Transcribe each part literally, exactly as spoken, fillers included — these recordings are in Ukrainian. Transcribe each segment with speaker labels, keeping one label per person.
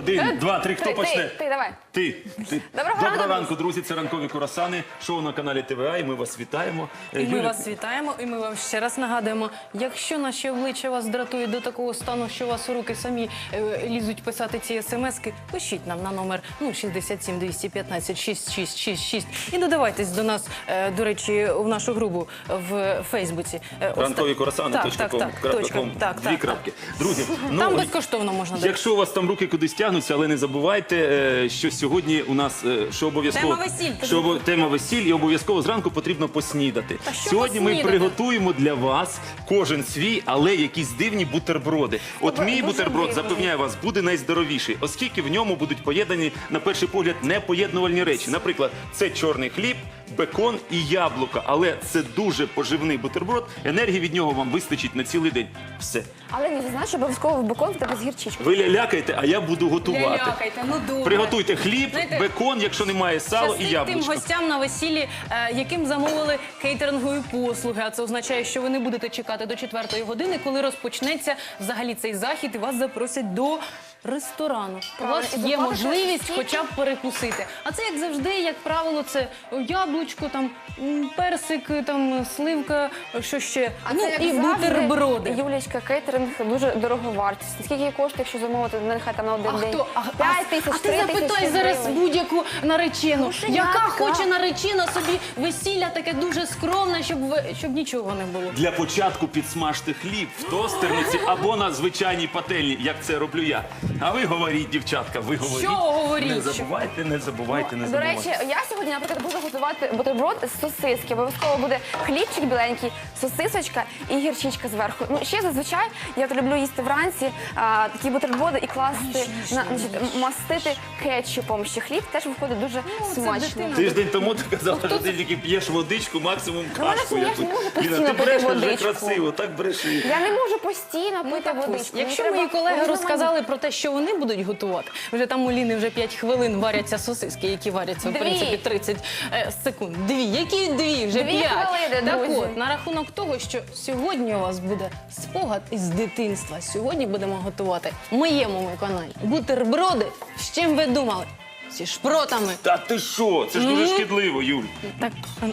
Speaker 1: Один, два, три. Хто
Speaker 2: Ти,
Speaker 1: почне?
Speaker 2: Ти, ти, давай.
Speaker 1: Ти. ти.
Speaker 2: Доброго
Speaker 1: Доброго
Speaker 2: ранку,
Speaker 1: ранку, друзі. Це ранкові курасани. Шоу на каналі ТВА. І ми вас вітаємо.
Speaker 3: І ми
Speaker 1: Юля,
Speaker 3: вас вітаємо, і ми вам ще раз нагадуємо, якщо наші обличчя вас дратують до такого стану, що у вас у руки самі е, лізуть писати ці смски, пишіть нам на номер ну, шістдесят сім двісті п'ятнадцять шість шість шість шість і додавайтесь до нас, е, до речі, в нашу групу в Фейсбуці. Е, ось
Speaker 1: ранкові
Speaker 3: так.
Speaker 1: курасани.
Speaker 3: Так,
Speaker 1: точка
Speaker 3: так,
Speaker 1: ком,
Speaker 3: так,
Speaker 1: крапка
Speaker 3: точка,
Speaker 1: ком.
Speaker 3: так,
Speaker 1: Дві
Speaker 3: так,
Speaker 1: крапки. Друзі, ну,
Speaker 3: Там безкоштовно можна дати.
Speaker 1: якщо у вас там руки кудись тягнуться, але не забувайте, е, що сьогодні у нас е, що обов'язково
Speaker 3: Тема весіль.
Speaker 1: що обо- тема весіль, і обов'язково зранку потрібно поснідати.
Speaker 3: Та що
Speaker 1: Сьогодні ми
Speaker 3: поснідати?
Speaker 1: приготуємо для вас кожен свій, але якісь дивні бутерброди. От
Speaker 2: Дуже
Speaker 1: мій бутерброд,
Speaker 2: дивний.
Speaker 1: запевняю вас, буде найздоровіший, оскільки в ньому будуть поєднані на перший погляд непоєднувальні речі. Наприклад, це чорний хліб, бекон і яблука, але це дуже поживний бутерброд. Енергії від нього вам вистачить на цілий день. Все.
Speaker 2: Але не знаєш, що обов'язково в бекон в тебе з гірчичкою.
Speaker 1: Ви лялякайте, а я буду готувати.
Speaker 3: Лялякайте, ну добре.
Speaker 1: Приготуйте хліб,
Speaker 3: Знаєте,
Speaker 1: бекон, якщо немає сало, і
Speaker 3: Щастить тим
Speaker 1: яблучко.
Speaker 3: гостям на весіллі, е, яким замовили кейтерингові послуги. А це означає, що ви не будете чекати до четвертої години, коли розпочнеться взагалі цей захід і вас запросять до ресторану. У
Speaker 2: Правильно,
Speaker 3: вас
Speaker 2: і
Speaker 3: є
Speaker 2: доплатите
Speaker 3: можливість
Speaker 2: скільки?
Speaker 3: хоча б перекусити. А це, як завжди, як правило, це яблучко, там, м, персик, там, сливка, що ще,
Speaker 2: А
Speaker 3: ну
Speaker 2: це, як
Speaker 3: і
Speaker 2: завжди,
Speaker 3: бутерброди.
Speaker 2: Юлічка, кейтеринг дуже дороговартість. Скільки коштує, якщо замовити, нехай там на один
Speaker 3: А
Speaker 2: день?
Speaker 3: хто? А,
Speaker 2: п'ять тисяч,
Speaker 3: а ти
Speaker 2: три тисячі
Speaker 3: запитай зараз
Speaker 2: гривень.
Speaker 3: будь-яку наречену,
Speaker 2: Грошенятка.
Speaker 3: яка хоче наречена собі весілля таке дуже скромне, щоб, ви- щоб нічого не було.
Speaker 1: Для початку підсмажте хліб в тостерниці або на звичайній пательні, як це роблю я. А ви говоріть, дівчатка, ви говоріть.
Speaker 3: Що говоріть?
Speaker 1: Не забувайте, не забувайте, не
Speaker 2: До
Speaker 1: забувайте.
Speaker 2: речі, я сьогодні, наприклад, буду готувати бутерброд з сосиски. Обов'язково буде хлібчик біленький, сосисочка і гірчичка зверху. Ну, ще зазвичай я то люблю їсти вранці а, такі бутерброди і класти, на, значить, мастити кетчупом. Ще хліб теж виходить дуже
Speaker 3: Ну, це
Speaker 2: смачно.
Speaker 3: дитина.
Speaker 1: Тиждень тому ти казала, що ти тільки п'єш водичку, максимум
Speaker 2: Ну, мене
Speaker 1: кашку.
Speaker 2: ж я
Speaker 1: яку.
Speaker 2: ж не можу
Speaker 1: Ліна,
Speaker 2: постійно
Speaker 1: ти
Speaker 2: пити
Speaker 1: бреш вже
Speaker 2: водичку.
Speaker 1: красиво, так бреши.
Speaker 2: Я не можу постійно
Speaker 3: Ну,
Speaker 2: пити
Speaker 3: так ось.
Speaker 2: водичку.
Speaker 3: Якщо
Speaker 2: Мені
Speaker 3: мої
Speaker 2: треба
Speaker 3: колеги
Speaker 2: різноманітно.
Speaker 3: розказали про те, що вони будуть готувати, вже там у Ліни вже п'ять хвилин варяться сосиски, які варяться, в
Speaker 2: Дві.
Speaker 3: принципі, тридцять е, секунд. Дві. Які дві? Вже
Speaker 2: Дві
Speaker 3: п'ять.
Speaker 2: хвилини,
Speaker 3: Так
Speaker 2: друзі.
Speaker 3: от, на рахунок того, що сьогодні у вас буде спогад із дитинства. Сьогодні будемо готувати в моєму каналі бутерброди. З чим ви думали? Зі шпротами.
Speaker 1: Та ти що? Це ж дуже шкідливо, Юль.
Speaker 3: Так,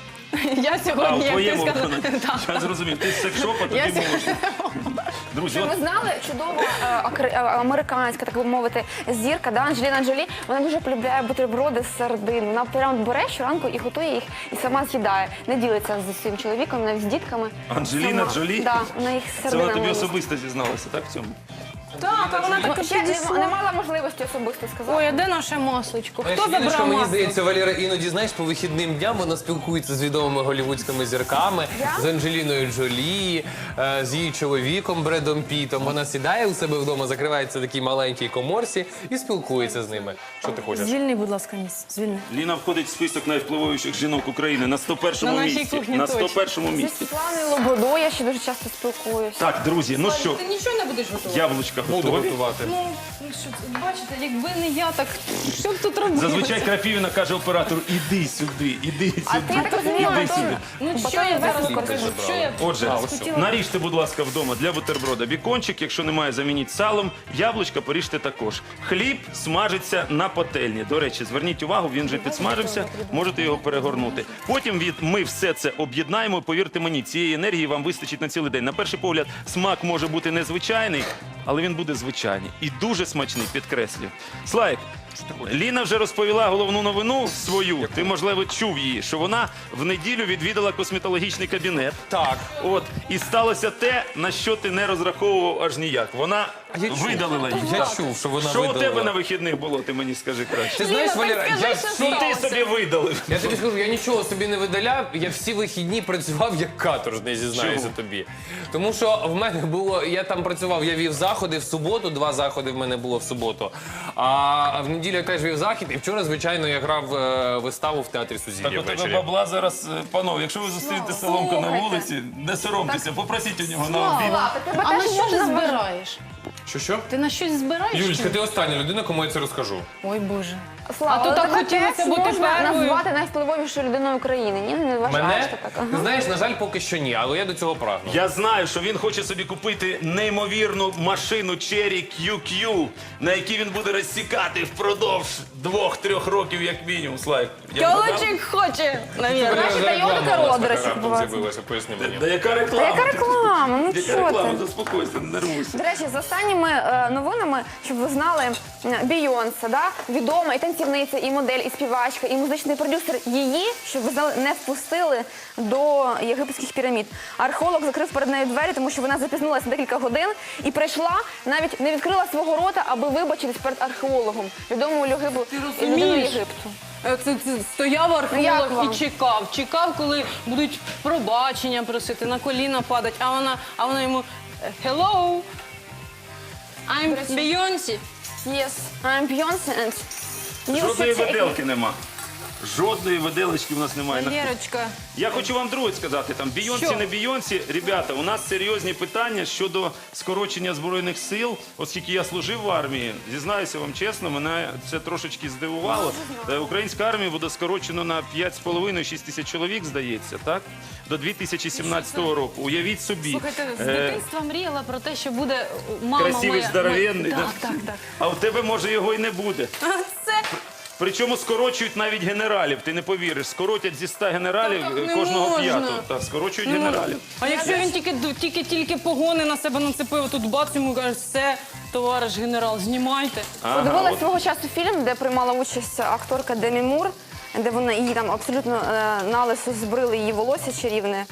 Speaker 3: я
Speaker 1: А,
Speaker 3: сьогодні,
Speaker 1: в
Speaker 3: як ти
Speaker 1: твоєму
Speaker 3: сказала,
Speaker 1: виконанні.
Speaker 3: так.
Speaker 1: Я зрозумів, ти з секшопа, тобі
Speaker 3: Я-
Speaker 1: можна. Друзі,
Speaker 2: Щоб
Speaker 1: от
Speaker 2: ви знали, чудова е, акр- е, американська, так би мовити, зірка, да, Анджеліна Джолі, вона дуже полюбляє бутерброди з сардин. Вона прямо бере щоранку і готує їх, і сама з'їдає. Не ділиться зі своїм чоловіком, навіть з дітками.
Speaker 1: Анджеліна
Speaker 2: Сама.
Speaker 1: Джолі?
Speaker 2: Да, вона їх з
Speaker 1: це вона тобі
Speaker 2: сардинами їсть.
Speaker 1: особисто зізналася, так, в цьому?
Speaker 3: Так, а вона так
Speaker 2: Ну,
Speaker 3: і
Speaker 2: ще не,
Speaker 3: підійшла.
Speaker 2: не мала можливості особисто сказати.
Speaker 3: Ой, а де наше масличко?
Speaker 4: Знаєш,
Speaker 3: Хто
Speaker 4: Ліночка,
Speaker 3: забрав
Speaker 4: мені
Speaker 3: масло?
Speaker 4: здається, Валера іноді, знаєш, по вихідним дням вона спілкується з відомими голівудськими зірками,
Speaker 2: Я?
Speaker 4: з Анджеліною Джолі, е, з її чоловіком Бредом Пітом. Вона сідає у себе вдома, закривається в такій маленькій коморці і спілкується з ними. Що ти хочеш?
Speaker 3: Звільни, будь ласка, місце. Звільни.
Speaker 1: Ліна входить в список найвпливовіших жінок України на сто першому
Speaker 3: На нашій
Speaker 1: місці.
Speaker 3: кухні
Speaker 1: На
Speaker 3: точно.
Speaker 1: сто першому
Speaker 2: Зі
Speaker 1: місці.
Speaker 2: Світланою Лободою я ще дуже часто спілкуюся.
Speaker 1: Так, друзі, ну що,
Speaker 3: Ти нічого не будеш готувати?
Speaker 1: яблучка
Speaker 4: Буду
Speaker 1: готові.
Speaker 4: готувати.
Speaker 3: Ну, ну що, це, бачите, якби не я, так що б тут робити?
Speaker 1: Зазвичай Крапівіна каже оператору, іди сюди, іди сюди,
Speaker 2: А ти, я так розумію,
Speaker 1: іди
Speaker 2: Антон,
Speaker 1: сюди.
Speaker 3: Ну, що
Speaker 2: Батон
Speaker 3: я зараз
Speaker 2: весь
Speaker 3: покажу?
Speaker 4: забрала.
Speaker 3: Що я
Speaker 1: Отже,
Speaker 3: хотіла?
Speaker 1: наріжте, будь ласка, вдома для бутерброда бікончик, якщо немає, замініть салом, яблучка поріжте також. Хліб смажиться на пательні. До речі, зверніть увагу, він вже підсмажився, можете його перегорнути. Потім від ми все це об'єднаємо, повірте мені, цієї енергії вам вистачить на цілий день. На перший погляд, смак може бути незвичайний, але він буде звичайний і дуже смачний, підкреслюю. Слайк, Ліна вже розповіла головну новину свою. Ти, можливо, чув її, що вона в неділю відвідала косметологічний кабінет.
Speaker 4: Так.
Speaker 1: От, і сталося те, на що ти не розраховував аж ніяк. Вона
Speaker 4: я чув.
Speaker 1: видалила їх.
Speaker 4: Я
Speaker 1: Так.
Speaker 4: чув, що вона
Speaker 1: Що у
Speaker 4: видалила.
Speaker 1: тебе на вихідних було, ти мені скажи краще.
Speaker 4: Ти знаєш,
Speaker 3: Ліна,
Speaker 4: Валера,
Speaker 3: так
Speaker 4: я
Speaker 3: скажи,
Speaker 4: всі...
Speaker 1: Ну ти собі видалив.
Speaker 4: Я тобі скажу, я нічого собі не видаляв, я всі вихідні працював як каторжний, зізнаюся
Speaker 1: Чому?
Speaker 4: тобі. Тому що в мене було, я там працював, я вів заходи в суботу, два заходи в мене було в суботу. А в неділю я теж вів захід, і вчора, звичайно, я грав е, виставу в театрі
Speaker 1: Так
Speaker 4: Сузір'я
Speaker 1: у тебе
Speaker 4: ввечері.
Speaker 1: бабла зараз, е, панове, якщо ви зустрінете Соломка на
Speaker 2: слухайте.
Speaker 1: вулиці, не соромтеся, попросіть у нього на обід.
Speaker 2: Слава, тебе
Speaker 3: А на
Speaker 2: теж
Speaker 3: що ти
Speaker 2: можна
Speaker 3: збираєш?
Speaker 4: Що що?
Speaker 3: Ти на щось збираєш?
Speaker 4: Юлічка, ти остання людина, кому я це розкажу.
Speaker 3: Ой, Боже.
Speaker 2: Слава,
Speaker 3: А то
Speaker 2: але
Speaker 3: так
Speaker 2: тебе
Speaker 3: хотілося
Speaker 2: теж
Speaker 3: бути
Speaker 2: можна
Speaker 3: первою.
Speaker 2: назвати найвпливовішою людиною України. Ні, не вважаєш
Speaker 4: Мене?
Speaker 2: ти так? Ага.
Speaker 4: Ти знаєш, на жаль, поки що ні, але я до цього прагну.
Speaker 1: Я знаю, що він хоче собі купити неймовірну машину Cherry кью кью, на якій він буде розсікати впродовж двох-трьох років, як мінімум. Слайк. я вгадав?
Speaker 3: Тьолочик хоче, навірно.
Speaker 2: Наші
Speaker 4: Вже
Speaker 2: Тойота
Speaker 4: реклама
Speaker 2: Corolla,
Speaker 4: у вас
Speaker 2: до речі,
Speaker 4: така
Speaker 2: відбувається.
Speaker 4: з'явилася, поясни мені.
Speaker 1: Да яка
Speaker 2: Та
Speaker 1: реклама?
Speaker 2: яка реклама? Ну
Speaker 1: Яка
Speaker 2: що
Speaker 1: реклама?
Speaker 2: ти?
Speaker 1: Заспокойся, не нервуйся.
Speaker 2: До речі, з останніми е, новинами, щоб ви знали, е, Бійонсе, да? Відома і танцівниця, і модель, і співачка, і музичний продюсер. Її, щоб ви знали, не впустили до єгипетських пірамід. Археолог закрив перед нею двері, тому що вона запізнилася на декілька годин і прийшла, навіть не відкрила свого рота, аби вибачитись перед археологом, відомою Єгипту, людиною
Speaker 3: розумієш?
Speaker 2: Єгипту.
Speaker 3: Е, Це, це стояв
Speaker 2: Як
Speaker 3: археолог
Speaker 2: вам?
Speaker 3: і чекав. Чекав, коли будуть пробачення просити, на коліна падать, а вона, а вона йому «Hello, I'm Beyoncé».
Speaker 2: Yes, I'm Beyoncé and you
Speaker 1: Жодної
Speaker 2: should take-
Speaker 1: виделки нема. Жодної виделочки в нас немає.
Speaker 3: Валерочка,
Speaker 1: Я хочу вам друге сказати, там Бійонсі,
Speaker 3: Що?
Speaker 1: не Бійонсі. Ребята, у нас серйозні питання щодо скорочення Збройних сил. Оскільки я служив в армії, зізнаюся вам чесно, мене це трошечки здивувало. Е, Українська армія буде скорочено на п'ять з половиною - шість тисяч чоловік, здається, так? До дві тисячі сімнадцятого року. Уявіть собі.
Speaker 3: слухайте, з
Speaker 1: Е,
Speaker 3: дитинства мріяла про те, що буде мама
Speaker 1: Красивий,
Speaker 3: моя.
Speaker 1: здоровенний.
Speaker 3: Так,
Speaker 1: да?
Speaker 3: так, так.
Speaker 1: А в тебе, може, його і не буде.
Speaker 3: А це
Speaker 1: Причому скорочують навіть генералів, ти не повіриш. Скоротять зі ста генералів
Speaker 3: Так, так
Speaker 1: е,
Speaker 3: не
Speaker 1: кожного
Speaker 3: можна.
Speaker 1: п'ятого. Так, скорочують
Speaker 3: Ну,
Speaker 1: генералів.
Speaker 3: А якщо він тільки тільки тільки погони на себе нацепив, тут бац йому каже, все, товариш генерал, знімайте.
Speaker 2: Подивилась
Speaker 1: от-
Speaker 2: свого часу фільм, де приймала участь акторка Демі Мур, де вона її там абсолютно е, налисо збрили її волосся чарівне.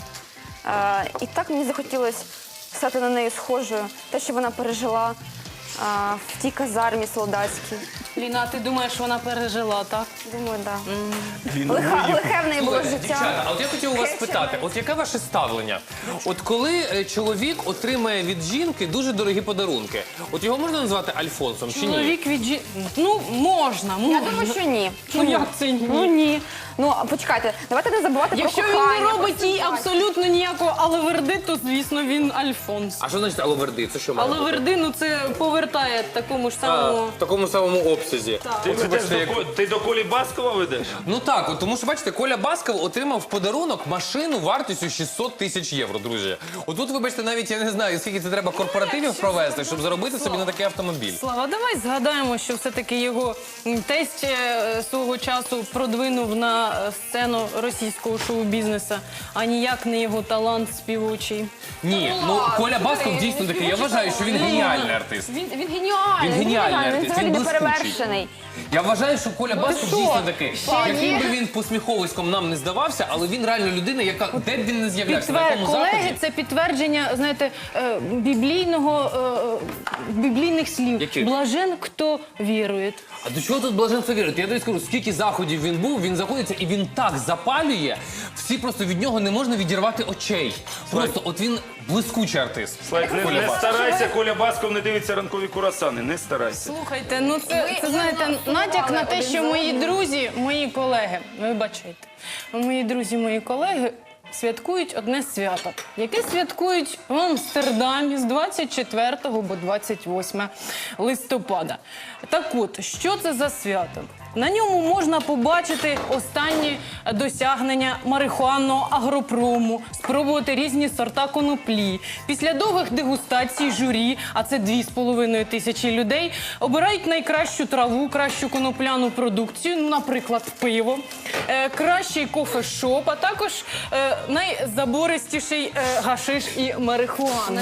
Speaker 2: Е, і так мені захотілося стати на неї схожою. Те, що вона пережила е, в тій казармі солдатській.
Speaker 3: Ліна, ти думаєш, вона пережила, так?
Speaker 2: Думаю, так.
Speaker 1: Він
Speaker 2: Лиха,
Speaker 1: виїхав.
Speaker 2: лихе в неї було
Speaker 4: Слухайте,
Speaker 2: життя.
Speaker 4: дівчата, а от я хотів у вас
Speaker 2: Хечена.
Speaker 4: спитати, от яке ваше ставлення? От коли е, чоловік отримає від жінки дуже дорогі подарунки, от його можна назвати Альфонсом чи ні?
Speaker 3: Чоловік від жі... Ну, можна, можна.
Speaker 2: Я думаю, що ні.
Speaker 3: Ну, як це ні?
Speaker 2: Ну ні. Ну, а почекайте, давайте не забувати
Speaker 3: Якщо
Speaker 2: про
Speaker 3: він
Speaker 2: кохання.
Speaker 3: не робить
Speaker 2: про
Speaker 3: їй
Speaker 2: симпатію.
Speaker 3: абсолютно ніякого алаверди, то, звісно, він Альфонс.
Speaker 4: А що значить алаверди? Це що має бути?
Speaker 3: Алаверди, ну це повертає такому ж
Speaker 4: А,
Speaker 3: самому.
Speaker 4: в такому самому обсязі.
Speaker 1: Ти,
Speaker 4: От,
Speaker 1: ведеш
Speaker 4: вибачте,
Speaker 1: до,
Speaker 4: як-
Speaker 1: Ко- ти до Колі Баскова ведеш?
Speaker 4: Ну так, от, тому що бачите, Коля Басков отримав в подарунок машину вартістю шістсот тисяч євро, друзі. Отут, вибачте, навіть я не знаю, скільки це треба корпоративів провести, щоб заробити собі на такий автомобіль.
Speaker 3: Слава, давай згадаємо, що все-таки його м, тесть е, свого часу продвинув на е, сцену російського шоу-бізнесу, а ніяк не його талант співочий.
Speaker 4: Ні, ну Коля Басков дійсно такий. Я вважаю, що він геніальний артист.
Speaker 2: Він, він геніальний.
Speaker 4: Він геніальний
Speaker 2: Він
Speaker 4: артист,
Speaker 2: взагалі
Speaker 4: він
Speaker 2: не
Speaker 4: блискучий.
Speaker 2: перевершений.
Speaker 4: Я вважаю, що Коля Басков
Speaker 2: що?
Speaker 4: дійсно такий.
Speaker 2: Пані?
Speaker 4: Яким би він посміховиськом нам не здавався, але він реально людина, яка де б він не з'являвся, на
Speaker 3: Підтвер...
Speaker 4: якому
Speaker 3: Колеги,
Speaker 4: заході.
Speaker 3: це підтвердження, знаєте, е, біблійного, е, біблійних слів.
Speaker 4: Яких?
Speaker 3: Блажен, хто вірує.
Speaker 4: А до чого тут блаженство вірити? Я тобі скажу, скільки заходів він був, він заходиться і він так запалює, всі просто від нього не можна відірвати очей. Просто от він блискучий артист.
Speaker 1: Слайк, не, не старайся, Коля Басков не дивиться ранкові курасани, не старайся.
Speaker 3: Слухайте, ну це,
Speaker 2: Ви-
Speaker 3: це
Speaker 2: ви
Speaker 3: знаєте,
Speaker 2: нам
Speaker 3: натяк на те,
Speaker 2: один
Speaker 3: що
Speaker 2: за
Speaker 3: мої
Speaker 2: одним.
Speaker 3: друзі, мої колеги, вибачайте, мої друзі, мої колеги святкують одне свято, яке святкують в Амстердамі з двадцять четвертого по двадцять восьме листопада. Так от, що це за свято? На ньому можна побачити останні досягнення марихуанного агропрому, спробувати різні сорта коноплі. Після довгих дегустацій журі, а це дві з половиною тисячі людей, обирають найкращу траву, кращу конопляну продукцію, ну, наприклад, пиво, е, кращий кофешоп, а також е, найзабористіший е, гашиш і марихуана.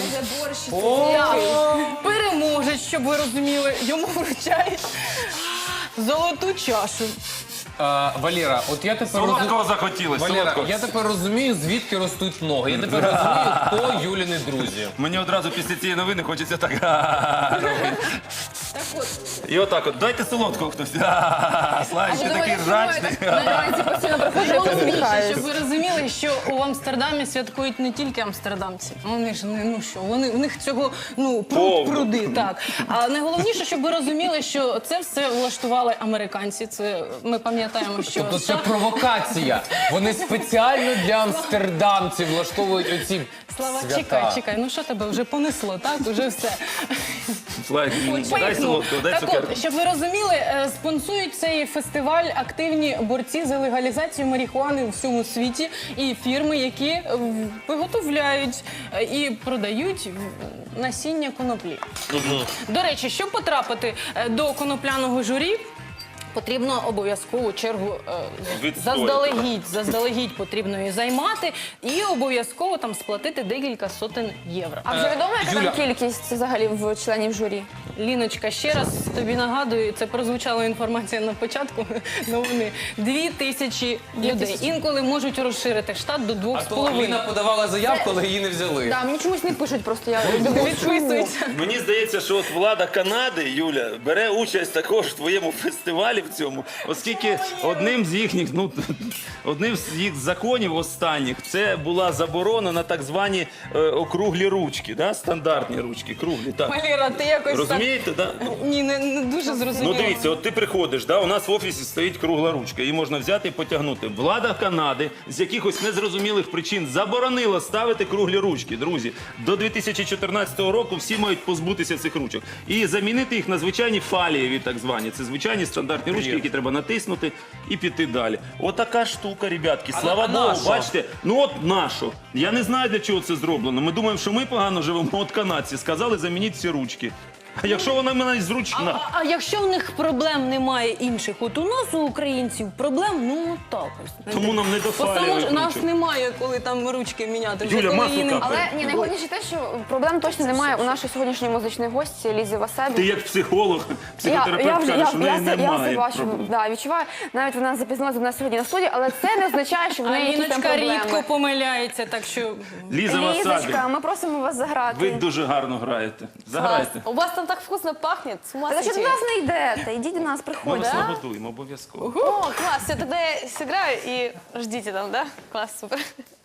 Speaker 3: Так. Переможець, щоб ви розуміли, йому вручають золоту чашу.
Speaker 4: А, Валера, от я тепер розумію.
Speaker 1: Солодкого захотілося,
Speaker 4: Валера,
Speaker 1: солодкого.
Speaker 4: я тепер розумію, звідки ростуть ноги. Я тепер розумію, хто Юліни друзі.
Speaker 1: Мені одразу після цієї новини хочеться так робити. І отак от, дайте солодкого хтось. А, Славік, ти такий жачний.
Speaker 2: На вранці постійно приходжу, я
Speaker 3: Головніше,
Speaker 2: посміхаюсь.
Speaker 3: щоб ви розуміли, що у Амстердамі святкують не тільки амстердамці. Вони ж не ну що, вони в них цього ну пруд
Speaker 1: Повно.
Speaker 3: пруди. Так а найголовніше, щоб ви розуміли, що це все влаштували американці. Це ми пам'ятаємо, що
Speaker 4: Тобто це
Speaker 3: США
Speaker 4: провокація. Вони спеціально для амстердамців влаштовують оці
Speaker 3: Слава,
Speaker 4: свята.
Speaker 3: чекай, чекай, ну що тебе вже понесло, так? Уже все.
Speaker 1: Славік, дай
Speaker 3: Поїхали.
Speaker 1: солодкого, дай
Speaker 3: Так
Speaker 1: цукерку.
Speaker 3: от, щоб ви розуміли, е, спонсують цей фестиваль активні борці за легалізацію марихуани у всьому світі і фірми, які е, виготовляють е, і продають е, насіння коноплі. До речі, щоб потрапити е, до конопляного журі, потрібно обов'язкову чергу е,
Speaker 1: Відстояти.
Speaker 3: заздалегідь, заздалегідь потрібно її займати і обов'язково там сплатити декілька сотень євро.
Speaker 2: А вже відомо, яка
Speaker 4: Юля.
Speaker 2: там кількість взагалі в членів журі?
Speaker 3: Ліночка, ще раз тобі нагадую, це прозвучала інформація на початку новини. Дві тисячі людей. Інколи можуть розширити штат до двох
Speaker 4: А
Speaker 3: з
Speaker 4: то
Speaker 3: половиною.
Speaker 4: Ліна подавала заявку, але її не взяли.
Speaker 2: Да, мені чомусь не пишуть, просто я думаю,
Speaker 3: Відписуються.
Speaker 1: Мені здається, що от влада Канади, Юля, бере участь також в твоєму фестивалі в цьому, оскільки одним з їхніх, ну одним з їх законів останніх це була заборона на так звані е, округлі ручки, да? Стандартні ручки, круглі. Так.
Speaker 3: Валера, ти якось
Speaker 1: Розумієте, да?
Speaker 3: так... Ні, не, не дуже
Speaker 1: Ну
Speaker 3: зрозуміло.
Speaker 1: дивіться, от ти приходиш, да, у нас в офісі стоїть кругла ручка, її можна взяти і потягнути. Влада Канади з якихось незрозумілих причин заборонила ставити круглі ручки. Друзі, до дві тисячі чотирнадцятого року всі мають позбутися цих ручок і замінити їх на звичайні фалієві, так звані. Це звичайні стандартні ручки, які треба натиснути і піти далі. Отака штука, ребятки. Слава
Speaker 4: а
Speaker 1: Богу,
Speaker 4: нащо?
Speaker 1: бачите, ну от нащо. Я не знаю, для чого це зроблено. Ми думаємо, що ми погано живемо. От канадці сказали, замініть всі ручки. А якщо вона в мене зручна?
Speaker 3: А, а якщо в них проблем немає інших, от у нас у українців проблем, ну так ось.
Speaker 1: Тому нам не до
Speaker 3: Бо само
Speaker 1: фалієвих
Speaker 3: ж нас
Speaker 1: ручок.
Speaker 3: немає, коли там ручки міняти. Вже
Speaker 1: Юля,
Speaker 3: коли
Speaker 1: масло
Speaker 3: її не-
Speaker 1: капає.
Speaker 2: Але ні, найголовніше те, що проблем точно немає у нашої сьогоднішньої музичної гості Лізі Васебі.
Speaker 1: Ти як психолог, психотерапевт
Speaker 2: вже-
Speaker 1: кажеш, що в неї
Speaker 2: я, це- я
Speaker 1: немає
Speaker 2: це бачу,
Speaker 1: проблем.
Speaker 2: да, відчуваю. Навіть вона запізнилася до нас сьогодні на студії, але це не означає, що в
Speaker 3: А
Speaker 2: неї якісь там
Speaker 3: Ліночка
Speaker 2: проблеми.
Speaker 3: рідко помиляється, так що...
Speaker 1: Ліза Васабі,
Speaker 2: Лізочка, ми просимо вас заграти.
Speaker 1: ви дуже гарно граєте. Заграйте.
Speaker 5: У вас там так вкусно пахнет, с ума
Speaker 2: Та що до
Speaker 5: сойти.
Speaker 2: нас не йдете? Ідіть до нас,
Speaker 1: Ми
Speaker 2: приходьте.
Speaker 1: вас нагодуємо обов'язково.
Speaker 5: О, класс, все, тогда я сыграю и ждите там, да? Класс, супер.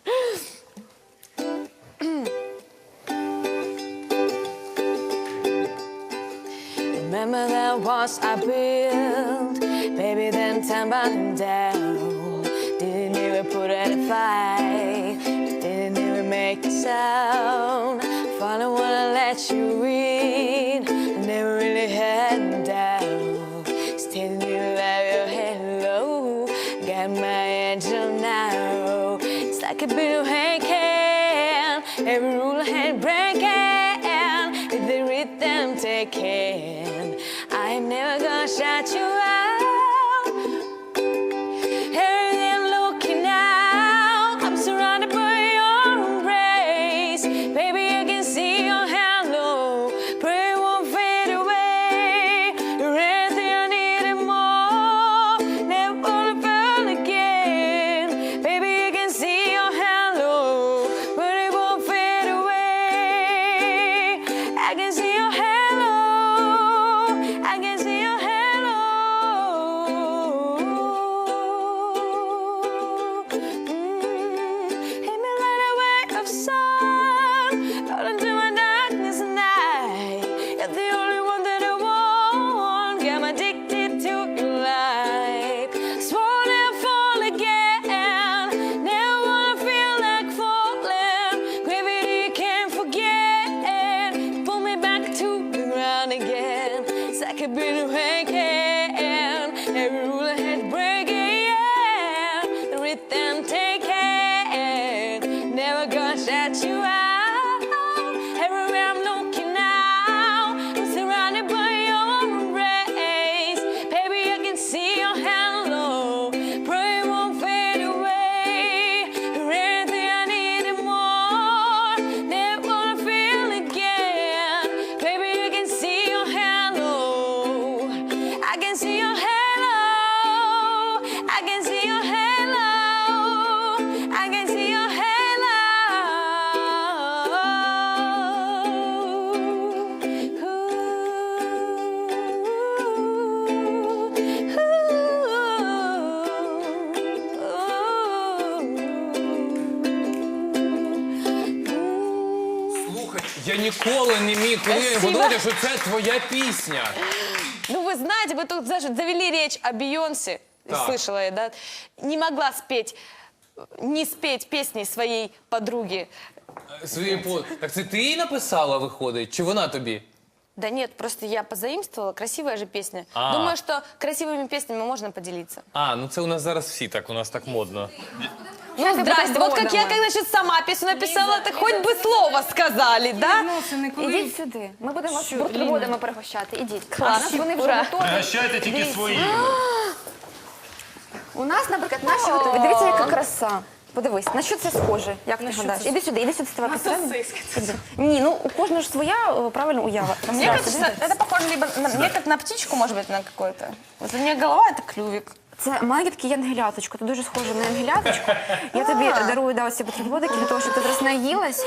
Speaker 5: Remember that once I built, baby, then time burning down. Didn't even put out a fight, didn't even make a sound. Finally wanna let you in, never really had me down. Still you love your hello, got my angel now. It's like a bit of hand, every rule I had breaking, with the rhythm taken. I'm never gonna shut you out. Everything looking out, I'm surrounded by your embrace. Baby, I can see your hello, pray it won't fade away. You're everything I need and more, never wanna fall again. Baby, I can see your hello, but it won't fade away. I can see your hello, I can see your hello. Mm, hit me like a wave of sun, out into my darkness night. You're the only one that I want, got me addicted to your life. Swore never fall again, never wanna feel like falling. Gravity can't forget, pull me back to the ground again. It's like a bit of hanging, every rule I had breaking, yeah. The rhythm taken, never gonna shut you out. Everywhere I'm looking now, I'm surrounded by your embrace. Baby, I can see your hello, pray it won't fade away. You're everything I need and more, never wanna feel again. Baby, I can see your hello, I can see your hello, I can see your hello, I can see your hello. Ooh.
Speaker 4: ніколи не міг коли подумати, що це твоя пісня.
Speaker 5: Ну, вы знаете, вы тут даже завели речь о Бейонсе,
Speaker 4: Так.
Speaker 5: слышала я, да? Не могла спеть, не спеть песни своей подруги.
Speaker 4: Свої по... Так це ти її написала, виходить? Чи вона тобі?
Speaker 5: Да нет, просто я позаимствовала, красивая же песня.
Speaker 4: А.
Speaker 5: Думаю, что красивыми песнями можно поделиться.
Speaker 4: А, ну це у нас зараз всі так, у нас так модно.
Speaker 5: Ну, здрасте, вот как я,
Speaker 2: бутербродами.
Speaker 5: когда сейчас сама песню написала, так хоть бы слово сказали, да?
Speaker 3: Відносини, коли...
Speaker 2: Ідіть сюди. Ми будемо вас
Speaker 3: Що,
Speaker 2: бутербродами пригощати. Ідіть.
Speaker 5: Клас.
Speaker 2: А наші вони вже
Speaker 5: Ура.
Speaker 2: готові.
Speaker 1: Пригощайте тільки
Speaker 2: Дивіться.
Speaker 1: свої.
Speaker 2: У нас, наприклад, наші готові. Дивіться, яка краса. Подивись, на що це схоже? Як ти гадаєш? Іди сюди, іди сюди, ставай посередині. Іди. Ні, ну у кожного ж своя е, правильно уява.
Speaker 5: Мне кажется, это похоже либо на, мне как на птичку, может быть, на какое-то. Вот у меня голова — это клювик.
Speaker 2: Це маленьке таке янгеляточко, ти дуже схоже на янгеляточку. Я тобі дарую да, оці бутербродики для того, щоб ти зараз наїлась.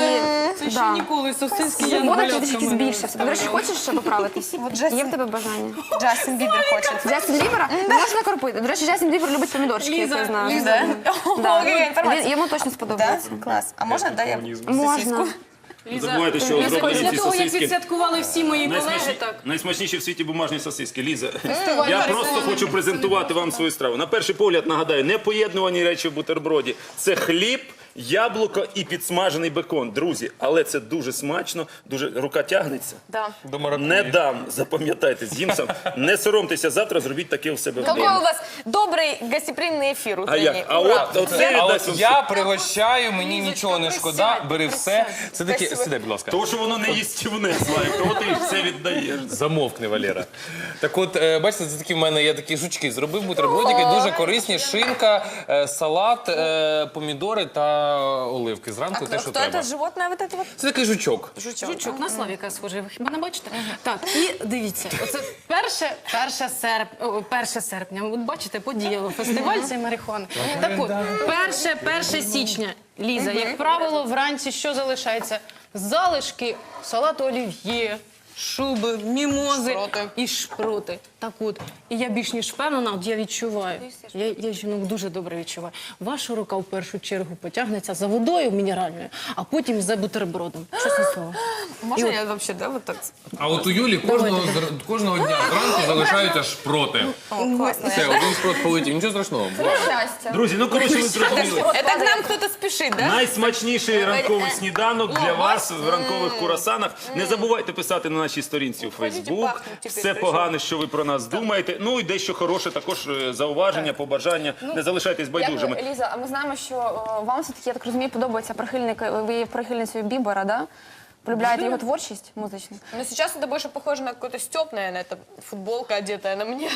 Speaker 2: І,
Speaker 3: Це ще
Speaker 2: да.
Speaker 3: ніколи сосиски я
Speaker 2: Вода трішки збільшився. До речі, хочеш ще поправитись? Є в тебе бажання?
Speaker 5: Джастин Бибер хочет.
Speaker 2: Джастін Бібера? Можна кропити. До речі, Джастін Бібер любить помідорчики, як я знаю.
Speaker 5: Да?
Speaker 2: Да.
Speaker 5: О, какая информация.
Speaker 2: Він- Йому точно
Speaker 5: Да?
Speaker 2: сподобається.
Speaker 5: Класс. А можно, да, я
Speaker 2: Можна.
Speaker 1: Не забувайте, що
Speaker 3: Після
Speaker 1: зроблені ці
Speaker 3: того, як
Speaker 1: сосиски.
Speaker 3: відсвяткували всі мої колеги,
Speaker 1: Найсмачні,
Speaker 3: так.
Speaker 1: найсмачніші в світі бумажні сосиски. Ліза, я просто хочу презентувати вам свою страву. На перший погляд, нагадаю, непоєднувані речі в бутерброді. Це хліб, яблуко і підсмажений бекон. Друзі, але це дуже смачно, дуже рука тягнеться.
Speaker 5: Да.
Speaker 4: До маракуї.
Speaker 1: Не дам, запам'ятайте, з'їм сам. Не соромтеся, завтра зробіть таке у себе
Speaker 5: Какой у
Speaker 1: вдома.
Speaker 5: вас добрый гостеприимный эфир
Speaker 1: А
Speaker 5: утренний.
Speaker 1: як? А
Speaker 5: Ура.
Speaker 1: от оце
Speaker 4: А
Speaker 1: дасть
Speaker 4: от
Speaker 1: вам
Speaker 4: я пригощаю, мені нічого не шкода,
Speaker 5: присядь,
Speaker 4: бери все. Це таке,
Speaker 5: Спасибо.
Speaker 4: сідай, будь ласка.
Speaker 1: То, що воно не їстівне, Славік, того ти все віддаєш.
Speaker 4: Замовкни, Валера. Так от, е, бачите, це такі в мене є такі жучки. Зробив бутербродики, дуже корисні. Шинка, е, салат, е, помідори та оливки. Зранку те,
Speaker 5: Кто,
Speaker 4: що
Speaker 5: кто
Speaker 4: треба.
Speaker 5: это животное вот это вот?
Speaker 4: Це такий жучок.
Speaker 5: Жучок.
Speaker 3: Жучок на Славіка схожий, ви хіба не бачите? Так, і дивіться, оце перше, перше, серп, о, перше серпня. От бачите, подіяло фестиваль цей марихуани. Так от, перше, перше січня, Ліза, як правило, вранці що залишається? Залишки салату олів'є, шуби, мімози
Speaker 5: Шпроти.
Speaker 3: і шпроти. Так от, і я більш ніж впевнена, от я відчуваю, я, я жінок дуже добре відчуваю. Ваша рука в першу чергу потягнеться за водою мінеральною, а потім за бутербродом. Чесне слово.
Speaker 5: Можно я вообще, да, вот так?
Speaker 4: А от у Юлі кожного, зр- кожного дня зранку залишаються шпроти.
Speaker 5: О, классно.
Speaker 4: Все, один шпрот полетів, нічого страшного.
Speaker 2: Щастя.
Speaker 1: Друзі, ну коротше, ви зрозуміли.
Speaker 5: Это к нам кто-то спешит, да?
Speaker 1: Найсмачніший ранковий сніданок для вас в ранкових курасанах. Не забувайте писати на нашій сторінці у Фейсбук.
Speaker 5: пахнуть тепер,
Speaker 1: Все
Speaker 5: прийшов.
Speaker 1: погане, що ви про нас думаєте. Ну і дещо хороше, також е, зауваження, побажання. Не залишайтесь байдужими.
Speaker 2: Як, Ліза, а ми знаємо, що о, вам все-таки, я так розумію, подобається прихильник, ви є прихильницею Бібера, да? Полюбляєте його творчість музичну?
Speaker 5: Но сейчас это больше похоже на какой-то стёб, наверное, это футболка, одетая на мне.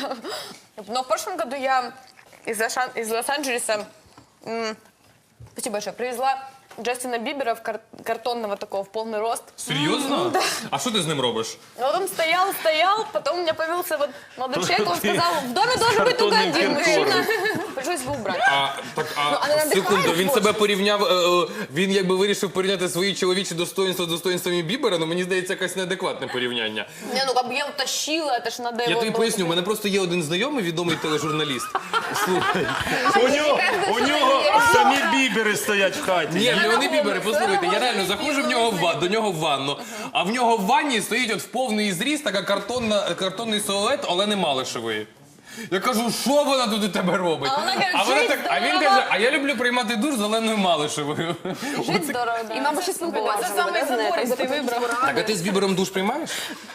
Speaker 5: Но в прошлом году я из, Лош- из Лос-Анджелеса, м, спасибо большое, привезла Джастина Бибера в кар- картонного такого, в полный рост.
Speaker 4: Серйозно? А що ти з ним робиш?
Speaker 5: Но вот он стоял, стоял, потом у меня появился вот молодой человек, он
Speaker 1: Ты
Speaker 5: сказал, в доме должен быть только
Speaker 1: картонным
Speaker 5: один мужчина.
Speaker 1: киркором.
Speaker 5: Пришлось его убрать.
Speaker 4: А, так, а,
Speaker 5: але надихає
Speaker 4: секунду, він
Speaker 5: творчість.
Speaker 4: себе порівняв, е, е, він якби вирішив порівняти свої чоловічі достоинства з достоинствами Бібера, ну мені здається, якесь неадекватне порівняння.
Speaker 5: Не, ну как бы я его тащила, это ж надо
Speaker 4: Я
Speaker 5: его...
Speaker 4: тобі
Speaker 5: было-
Speaker 4: поясню, у мене просто є один знайомий, відомий тележурналіст. Слухай.
Speaker 1: У нього, у нього самі бібери стоять в хаті.
Speaker 4: Ні, в нього не Бібери, послухайте, я реально заходжу в нього в ва- до нього в ванну, а в нього в ванні стоїть от в повний зріст така картонна, картонний силует Олени Малишевої. Я кажу, що вона тут у тебе робить?
Speaker 5: А вона каже,
Speaker 4: вона
Speaker 5: «Жить
Speaker 4: так, а він
Speaker 5: здорово».
Speaker 4: каже, а я люблю приймати душ з Оленою Малишевою.
Speaker 5: Жить здорово, да.
Speaker 2: І, мабуть, ще спілкуватися.
Speaker 5: Це самий
Speaker 2: буде, знаєте,
Speaker 5: забористий
Speaker 2: запитати
Speaker 5: вибрав.
Speaker 2: поради.
Speaker 4: Так, а ти з Бібером душ приймаєш?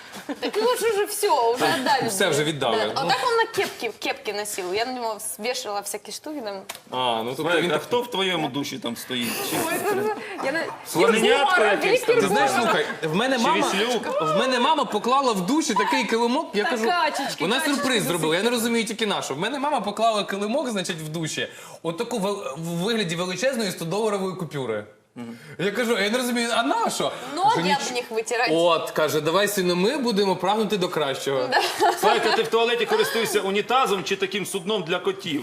Speaker 5: Так лучше уже все, уже отдали.
Speaker 4: Все вже віддали.
Speaker 5: Да. А
Speaker 4: Ну.
Speaker 5: так он на кепке, кепке носил. Я на него свешивала всякие штуки там.
Speaker 4: А, ну тобто
Speaker 1: Славік,
Speaker 4: він
Speaker 1: а
Speaker 4: так...
Speaker 1: хто в твоєму душі там стоїть? Чи
Speaker 2: Я не...
Speaker 1: слоненятко якесь там?
Speaker 4: Ти знаєш, слухай, в мене мама,
Speaker 1: Віслюк?
Speaker 4: в мене мама поклала в душі такий килимок, я кажу,
Speaker 3: качечки,
Speaker 4: вона
Speaker 3: качечки
Speaker 4: сюрприз зробила, я не розумію тільки на що. В мене мама поклала килимок, значить, в душі, отаку вел- в вигляді величезної сто-доларової купюри. Я кажу, я не розумію, а на що? Кажу,
Speaker 5: Ноги
Speaker 4: «Ніч-
Speaker 5: об них вытирать.
Speaker 4: От, каже, давай, сину, ми будемо прагнути до кращого.
Speaker 1: Славік, а ти в туалеті користуєшся унітазом чи таким судном для котів?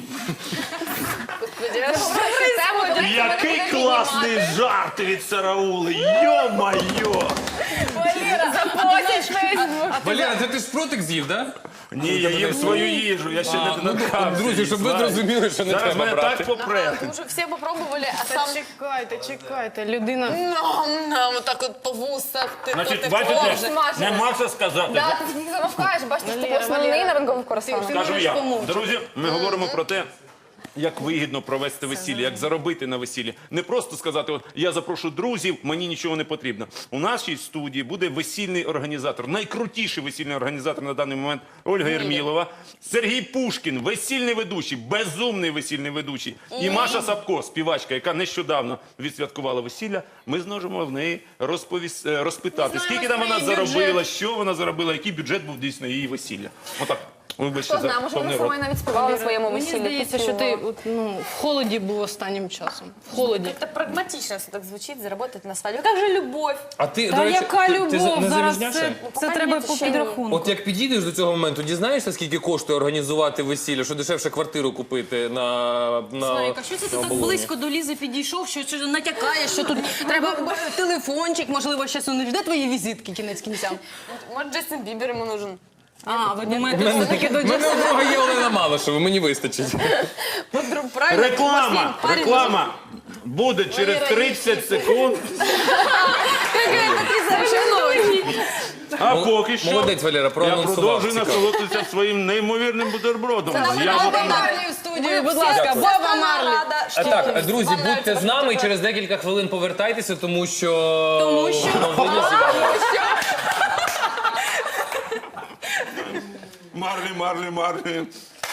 Speaker 1: Який класний жарт від Сараули! Йо-майо!
Speaker 2: Заплатять Facebook.
Speaker 4: Валера, це ти ж протик з'їв, так?
Speaker 1: Ні, я їм свою їжу, я ще не додався.
Speaker 4: Друзі, щоб ви
Speaker 1: Знаєш,
Speaker 4: зрозуміли, що не
Speaker 1: зараз
Speaker 4: треба
Speaker 1: мене
Speaker 4: брати.
Speaker 1: так попре.
Speaker 5: Потому что все попробовали, а
Speaker 3: Та
Speaker 5: сам...
Speaker 3: чекайте, чекайте, людина.
Speaker 5: Ну, на, вот так вот по вусах, ты
Speaker 1: Значить,
Speaker 5: ты
Speaker 1: бачите,
Speaker 5: тоже.
Speaker 1: нема що сказати.
Speaker 2: Да, ти тільки замовкаєш, бачите, що
Speaker 3: Валера,
Speaker 2: ти основний
Speaker 3: Валера.
Speaker 2: на ранкових курсах.
Speaker 3: Ти-
Speaker 1: Скажу
Speaker 3: можеш
Speaker 1: я.
Speaker 3: помовчати.
Speaker 1: Друзі, ми говоримо про те, як вигідно провести весілля, як заробити на весіллі. Не просто сказати, от я запрошу друзів, мені нічого не потрібно. У нашій студії буде весільний організатор, найкрутіший весільний організатор на даний момент Ольга Єрмілова, Сергій Пушкін, весільний ведучий, безумний весільний ведучий, і Маша Сапко, співачка, яка нещодавно відсвяткувала весілля. Ми зможемо в неї розповіс... е, розпитати, скільки там вона заробила, що вона заробила, який бюджет був дійсно її весілля. Отак. Вибачте
Speaker 2: Хто знає,
Speaker 1: за
Speaker 2: може
Speaker 1: повний
Speaker 2: вона
Speaker 1: рот.
Speaker 2: сама навіть співала на своєму
Speaker 3: Мені
Speaker 2: весіллі.
Speaker 3: здається, що ти от, ну, в холоді був останнім часом. В холоді.
Speaker 5: Это прагматично все так звучит, заработать на свадьбе. Как же любовь?
Speaker 4: А ти,
Speaker 3: Та
Speaker 4: до речі,
Speaker 3: яка
Speaker 4: ти- ти
Speaker 3: любов?
Speaker 4: не
Speaker 3: Зараз
Speaker 4: заміжняшся?
Speaker 3: це, це
Speaker 2: поки
Speaker 3: треба
Speaker 2: ні,
Speaker 3: по
Speaker 2: ще ні.
Speaker 3: підрахунку.
Speaker 4: От як підійдеш до цього моменту, дізнаєшся, скільки коштує організувати весілля, що дешевше квартиру купити на, на
Speaker 3: Славіка, що це ти
Speaker 4: на
Speaker 3: так
Speaker 4: оболоні?
Speaker 3: близько до Лізи підійшов, що, що натякаєш, що тут треба телефончик, можливо, ще сунеш. Де твої візитки кінець кінцям?
Speaker 5: Может, Джастин Бибер ему нужен?
Speaker 3: А, ви думаєте, все-таки до
Speaker 4: У мене
Speaker 3: Джастина?
Speaker 4: у друга є Олена Малишева, мені вистачить.
Speaker 5: Подруг, правильно?
Speaker 1: Реклама,
Speaker 5: Парень
Speaker 1: реклама буде через тридцать секунд. А поки що
Speaker 4: Молодець, Валера,
Speaker 1: я
Speaker 4: проанонсував.
Speaker 1: продовжую
Speaker 4: Цікаво.
Speaker 1: насолодитися своїм неймовірним бутербродом. Я
Speaker 3: Баба
Speaker 1: буду-
Speaker 3: Марлі в студії, будь ласка,
Speaker 5: Вся
Speaker 3: Баба
Speaker 5: страна
Speaker 3: Марлі.
Speaker 5: рада, что
Speaker 4: А так,
Speaker 5: вам
Speaker 4: друзі,
Speaker 5: нравится
Speaker 4: будьте з
Speaker 5: ваш
Speaker 4: нами і
Speaker 5: бутерброд.
Speaker 4: через декілька хвилин повертайтеся, тому що...
Speaker 3: Тому що?
Speaker 4: новини з'являються.
Speaker 1: Марлі, Марлі, Марлі.